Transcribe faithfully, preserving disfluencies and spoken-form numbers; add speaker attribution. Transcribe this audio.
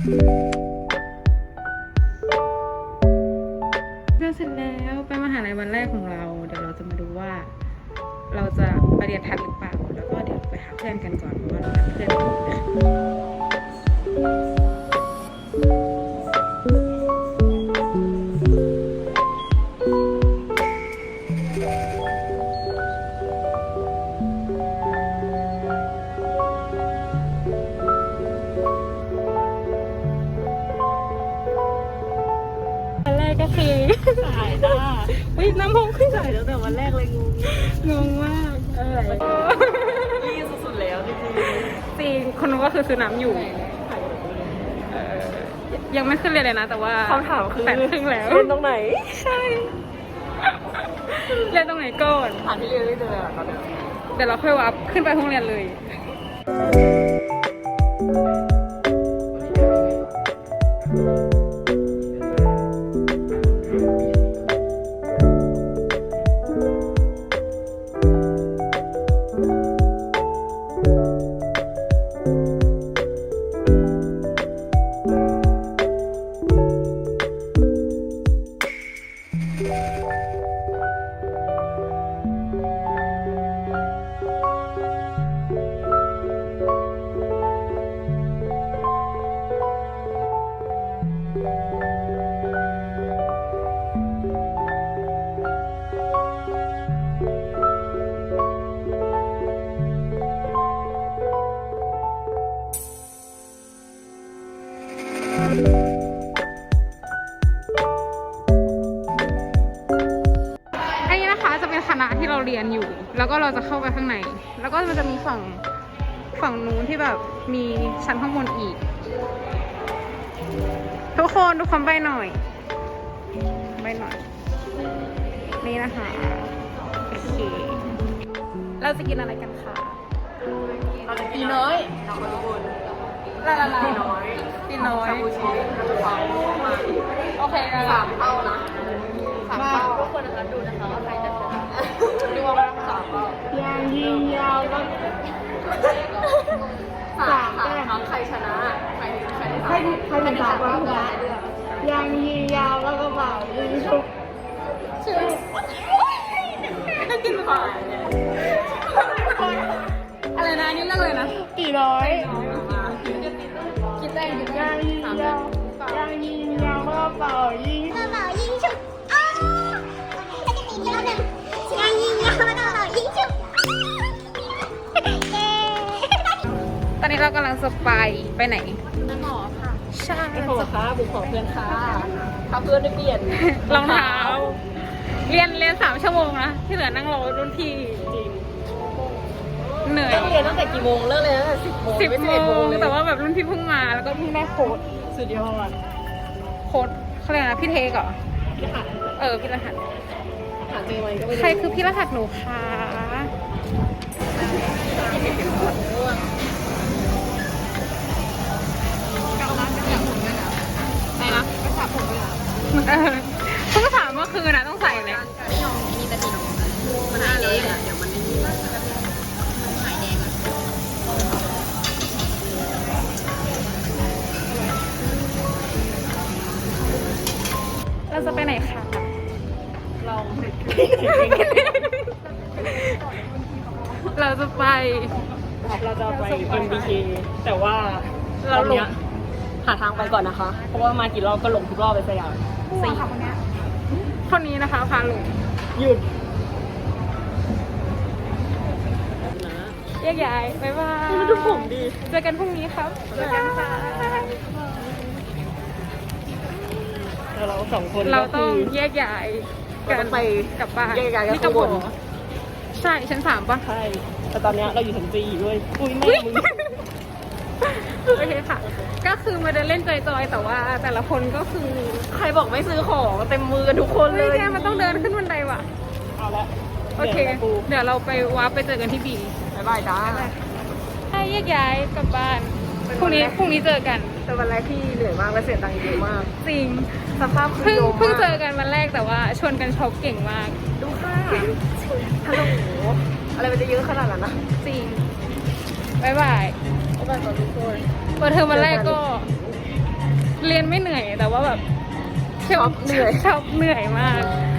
Speaker 1: เรียนเสร็จแล้วไปมหาลัยวันแรกของเราเดี๋ยวเราจะมาดูว่า เราจะไปเรียนทันหรือเปล่าแล้วก็เดี๋ยวไปหาเพื่อนกันก่อนเพราะว่าเรานัดเพื่อนกันวันแรกก็คือสายจ้าวิ่งน้ำพงขึ้นสายตั้งแต่วันแรกเลยงงงงมากอะไรรีบสุดๆแล้วจริงๆจริงคนนู้นก็คือซื้อน้ำอยู่ยังไม่ขึ้นเรียนเลยนะแต่ว่าคำถามคือแปดครึ่งแล้วเรียนตรงไหนใช่เรียนตรงไหนก่อนอ่านที่เรียนไม่เจอตอนนี้เดี๋ยวเราค่อยวับขึ้นไปห้องเรียนเลยอันนี้นะคะจะเป็นคณะที่เราเรียนอยู่แล้วก็เราจะเข้าไปข้างในแล้วก็มันจะมีฝั่งฝั่งนู้นที่แบบมีชั้นข้างบนอีกทุกคนดูความใบหน่อยใบหน่อยนี่นะคะโอเคเราจะกินอะไรกันคะเราจะกินน้อยเราคนทุกคนลาลาลาปีน้อยปีน้อยชาบูชิกระเพราโอเคสามเท่านะสามเท่าทุกคนนะคะดูนะคะว่าใครจะชนะดูว่าสามเท่ายางยิงยาวก็สามแต้มใครชนะใครใครใครใครเป็นสามก็ชนะยางยิงยาวแล้วก็เป่ายิงชุบชุบได้กินผ่านอะไรนะนี่เรื่องอะไรนะกี่ร้อยคิดได้ยังยางยิงยาวยางยิงยาวแล้วก็เป่ายิงเป่ายิงชุบอ๋อแล้วจะตีนี้แล้วหนึ่งยางยิงยาวแล้วก็เป่ายิงชุบตอนนี้เรากำลังจะไปไปไหนนั่นหมอค่ะใช่ไปขอค่ะบุกขอเพื่อนค่ะพาเพื่อนไปเปลี่ยนรองเท้าเรียนเรียนสามชั่วโมงนะที่เหลือนั่งรอรุ่นพี่จริงเหนื่อยเรียนตั้งแต่กี่โมงเลิกเลยตั้งแต่สิบโมงสิบโมงแต่ว่าแบบรุ่นพี่เพิ่งมาแล้วก็เพิ่งได้โค้ดสุดยอดโค้ดเขาเรียกนะพี่เทกเหรอพี่รหัสเออพี่รหัสหาเจอไหมก็ไม่รู้ใครคือพี่รหัสหนูคะเพิ่งถามเมื่อคืนนะต้องใส่เลยไม่ยอมมีแต่สีน้องมันหายแดงอ่ะเดี๋ยวมันไม่มีหายแดงอ่ะเราจะไปไหนคะเราเราจะไปเราจะไป เอ็ม บี เค แต่ว่าเราหลงหาทางไปก่อนนะคะเพราะว่ามากี่รอบก็หลงทุกรอบไปสยามสี่คนนี้คนนี้นะคะพาหลงหยุดแยกย้ายบ๊ายบายดูผมดีเจอกันพรุ่งนี้ครับเจอกันค่ะเราสองคนเราต้องแยกย้ายกันไปกลับบ้านแยกย้ายกันข้างบนใช่ชั้นสามป่ะใช่แต่ตอนนี้เราอยู่ชั้นสี่ด้วยอุ้ยแม่มึงโอเคค่ะก็คือมาเดินเล่นจอยๆแต่ว่าแต่ละคนก็คือใครบอกไม่ซื้อของเต็มมือกันทุกคนเลยแค่มันต้องเดินขึ้นบันไดว่ะเอาละโอเคเดี๋ยวเราไปวาร์ปไปเจอกันที่บีบ๊ายบายจ้าให้แยกย้ายกลับบ้านพรุ่งนี้พรุ่งนี้เจอกันแต่วันแรกที่เหนื่อยมากและเสียตังค์เยอะมากจริงสภาพเพิ่งเพิ่งเจอกันวันแรกแต่ว่าชวนกันช็อปเก่งมากดูค่ะฮัลโหลอะไรมันจะเยอะขนาดนั้นนะจริงบ๊ายบายบ๊ายบายทุกคนเปิดเทอมวันแรกก็เรียนไม่เหนื่อยแต่ว่าแบบ
Speaker 2: ชอบเหนื่อย
Speaker 1: ชอบเหนื่อยมาก